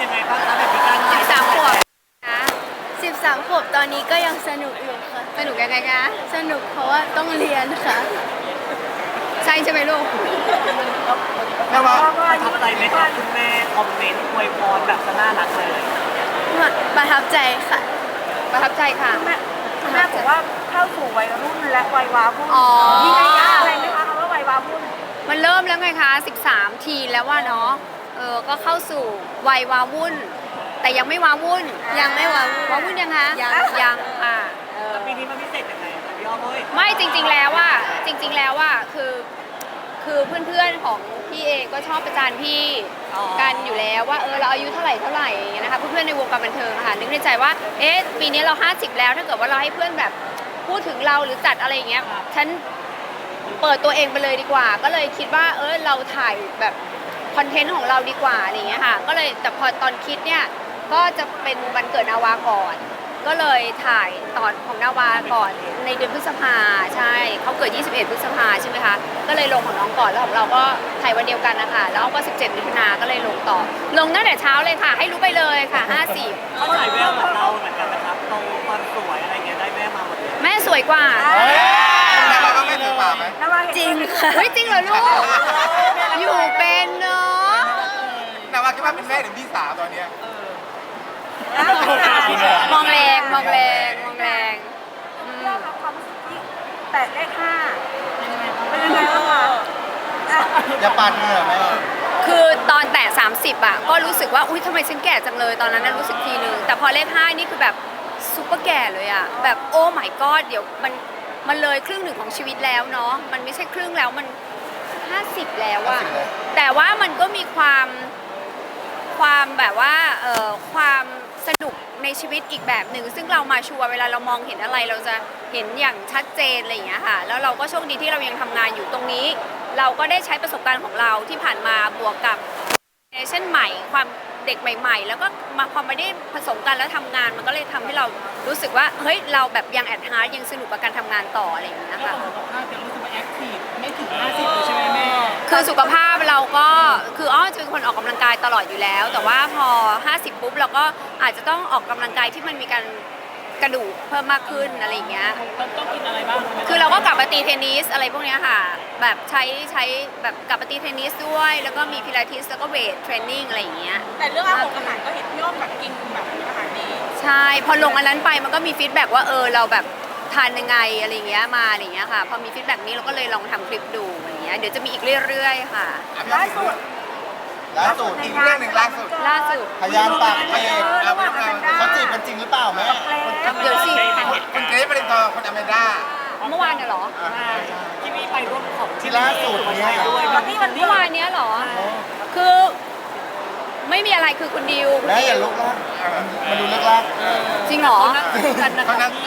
ยังไงบ้างคะแบบมีการ 13 ขวบนะ 13 ขวบตอนนี้ก็ยังสนุกอยู่ค่ะสนุกยังไงคะสนุกเพราะว่าต้องเรียนค่ะใช่ใช่ไหมลูกแล้วว่าประทับใจไหมคะคุณแม่คอมเมนต์อวยพรแบบน่ารักเลยประทับใจค่ะประทับใจค่ะแม่บอกว่าเข้าสู่วัยรุ่นและวัยวาวุ่นอ๋อมีนัยยะอะไรไหมคะคำว่าวัยวาวุ่นมันเริ่มแล้วไงคะ13 ทีแล้วว่าเนาะก็เข้าสู่วัยวาวุ่น แต่ยังไม่วาวุ่นยังไม่วาวุ่นวาวุ่นยังคะยังยังปีนี้มันพิเศษยังไงคะพี่อ้อมเอ้ยไม่จริงๆแล้วว่าคือเพื่อนๆของพี่เองก็ชอบประจานพี่กันอยู่แล้วว่าเราอายุเท่าไหร่อย่างเงี้ยนะคะเพื่อนๆในวงการบันเทิงค่ะนึกในใจว่าปีนี้เรา50แล้วถ้าเกิดว่าเราให้เพื่อนแบบพูดถึงเราหรือจัดอะไรอย่างเงี้ยฉันเปิดตัวเองไปเลยดีกว่าก็เลยคิดว่าเราถ่ายแบบคอนเทนต์ของเราดีกว่าอะไรอย่างเงี้ยค่ะก็เลยแต่พอตอนคิดเนี่ยก็จะเป็นวันเกิดนาวาก่อนก็เลยถ่ายตอนของนาวาก่อนในเดือนพฤษภาใช่เขาเกิด21 พฤษภาใช่ไหมคะก็เลยลงของน้องก่อนแล้วของเราก็ถ่ายวันเดียวกันนะคะแล้วก็17 มิถุนาก็เลยลงต่อลงตั้งแต่เช้าเลยค่ะให้รู้ไปเลยค่ะ50 เขาถ่ายแววเหมือนเราเหมือนกันนะครับตรงความสวยอะไรเงี้ยได้แม่มาหมดเลยแม่สวยกว่าแล้วเราก็ไม่ถือป่าไหมจริงค่ะเฮ้ยจริงเหรอลูกอยู่เป็นเนาะแต่ว่าคิดว่าเป็นแม่หรือพี่สาวตอนเนี้ยมองแรงเรื่องของความรู้สึกที่แต่เลข5เป็นยังไงบ้างคะอย่าปาดเหงื่อแม่คือตอนแตะ30อ่ะก็รู้สึกว่าอุ้ยทำไมฉันแก่จังเลยตอนนั้นน่ะรู้สึกทีนึงแต่พอเลข5นี่คือแบบซุปเปอร์แก่เลยอ่ะแบบโอ้ my god เดี๋ยวมันเลยครึ่งหนึ่งของชีวิตแล้วเนาะมันไม่ใช่ครึ่งแล้วมัน50แล้วอ่ะแต่ว่ามันก็มีความแบบว่าความสนุกในชีวิตอีกแบบหนึ่งซึ่งเรามาชัวร์เวลาเรามองเห็นอะไรเราจะเห็นอย่างชัดเจนอะไรอย่างเงี้ยค่ะแล้วเราก็โชคดีที่เรายังทำงานอยู่ตรงนี้ เราก็ได้ใช้ประสบการณ์ของเราที่ผ่านมาบวกกับเจเนอเรชั่นใหม่ความเด็กใหม่ๆ แล้วก็มาพอไม่ได้ผสมกันแล้วทำงานมันก็เลยทำให้เรารู้สึกว่าเฮ้ยเราแบบยังแอดฮาร์ดยังสนุกกับการทำงานต่ออะไรอย่างเงี้ยค่ะจะรู้สึกว่าแอคทีฟไม่ถึง50เลยใช่ไหมแม่คือสุขภาพเราก็คืออ้อจะเป็นคนออกกำลังกายตลอดอยู่แล้ว แต่ว่าพอ50ปุ๊บเราก็อาจจะต้องออกกำลังกายที่มันมีการกระดูกเพิ่มมากขึ้นอะไรอย่างเงี้ยต้องกินอะไรบ้างคือเราก็กลับมาตีเทนนิสอะไรพวกเนี้ยค่ะแบบใช้แบบกลับมาตีเทนนิสด้วยแล้วก็มีพิลาทิสแล้วก็เวทเทรนนิ่งอะไรอย่างเงี้ยแต่เรื่องอาหารก็เห็นพี่อ้อมแบบกินแบบอาหารดีใช่พอลงอันนั้นไปมันก็มีฟีดแบ็กว่าเราแบบทานยังไงอะไรอย่างเงี้ยมาอะไรอย่างเงี้ยค่ะพอมีฟีดแบ็กนี้เราก็เลยลองทำคลิปดูอะไรอย่างเงี้ยเดี๋ยวจะมีอีกเรื่อยๆค่ะล่าสุดอีกเรื่องหนึ่งล่าสุดพยานปากเอกเขาจีบกันจริงหรือเปล่าแม่เดี๋ยวสิคุณเกรซปรินทร์คนอเมริกาเมื่อวานเนี่ยเหรอที่มีไปร่วมของที่ล่าสุดเนี่ยด้วยเมื่อวานเนี้ยเหรอคือไม่มีอะไรคือคุณดิวแม่อย่าลุกนะมันดูเลิกลักจริงเหรอเขานั่ง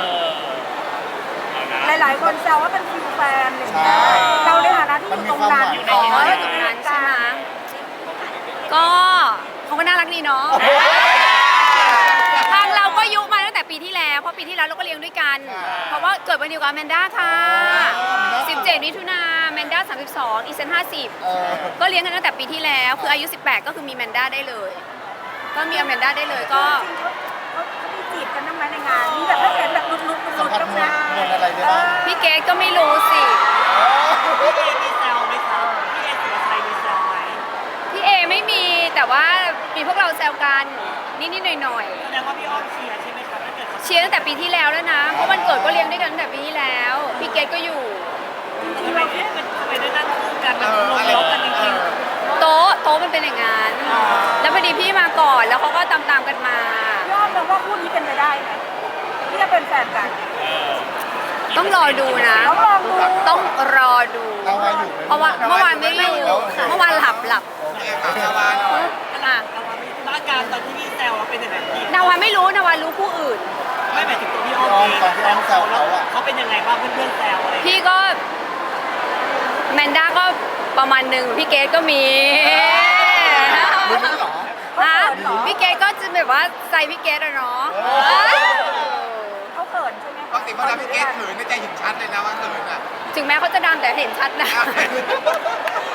หลายๆคนแซวว่าเป็นฟิลแฟนอะไรอย่างเงี้ยเราในฐานะที่อยู่ตรงนั้นอ๋ออยู่ตรงนั้นใช่ไหมก็เขาก็น่ารักดีเนาะทางเราก็ยุมาตั้งแต่ปีที่แล้วเพราะปีที่แล้วเราก็เลี้ยงด้วยกัน เพราะว่าเกิดวันเดียวกับแมนด้าค่ะ17 มิถุนาแมนด้า32อีเซน50ก็เลี้ยงกันตั้งแต่ปีที่แล้วคืออายุ18ก็คือมีแมนด้าได้เลย ก็มีแมนด้าได้เลยก็เขามีจีบกันบ้างไหมในงานมีแบบไม่เห็นแบบลุกสัมผัสๆมวนะลอะไรได้บ้างพี่เกดก็ไม่รู้สิพี่เอมีแซวไหมครับพี่เอสุรชัยมีแซวไหมพี่เอไม่มีแต่ว่ามีพวกเราแซวกันนิดๆหน่อยแสดงว่าพี่อ้อมเชียร์ใช่ไหมครับถ้าเกิดเขาๆเชียร์ตั้งแต่ปีที่แล้วแล้วนะเพราะวันเกิดก็เลี้ยงด้วยกันตั้งแต่ปีที่แล้วพี่เกดก็อยู่ทำไมได้นั่งคู่กันมันลงล็อกกันจริงโต๊ะมันเป็นอย่างนั้นแล้วพอดีพี่มาก่อนแล้วเขาก็ตามกันมาพี่อ้อมมองว่าคู่นี้เป็นไปได้ไหมที่จะเป็นแฟนกันต้องรอดูนะต้องลองดูต้องรอดูเราไว้อยู่เพราะว่าเมื่อวานไม่อยู่เมื่อวานหลับโอเคครับชาวบ้านหน่อยอ่ะๆอาการตอนที่พี่แซวเป็นยังไงพี่นาวาไม่รู้นาวารู้ผู้อื่นไม่หมายถึงตัวพี่อ้อมเองเขาเป็นยังไงบ้างเพื่อนๆแซวอะไรพี่ก็แมนด้าก็ประมาณหนึ่งพี่เกดก็มีรู้ไหมเหรอฮะพี่เกดก็จะแบบว่าใจพี่เกดอะเนาะเขาเขินใช่ไหมปกติเวลาพี่เกรซเขินในใจเห็นชัดเลยนะว่าเขินอ่ะถึงแม้เขาจะดังแต่เห็นชัดนะอ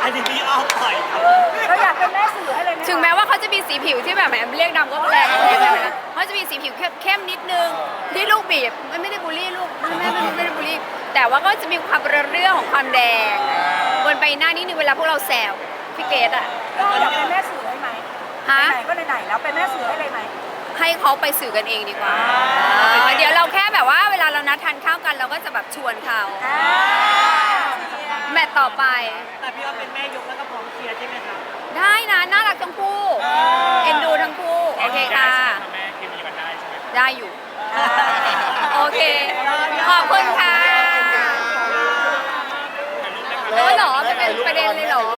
อันนี้พี่อ้อมปล่อยครับเราอยากเป็นแม่สื่อให้เลยไหมคะถึงแม้ว่าเขาจะมีสีผิวที่แบบแหมเรียกดำก็แรงเลยนะเขาจะมีสีผิวเข้มนิดนึงที่ลูกบีบไม่ได้บูลลี่ลูกไม่ได้บูลลี่แต่ว่าก็จะมีความเรื่องของความแดงบนใบหน้านิดนึงเวลาพวกเราแซวพี่เกดอะก็อยากเป็นแม่สื่อให้ไหมฮะไหนๆก็ไหนๆแล้วเป็นแม่สื่อให้เลยไหมให้เขาไปสื่อกันเองดีกว่าเดี๋ยวเราแค่แบบว่าเวลาเรานัดทานข้าวกันเราก็จะแบบชวนเขาแมตต์ต่อไปแต่พี่อ้อมเป็นแม่ยกแล้วก็พร้อมเคลียร์ใช่ไหมครับได้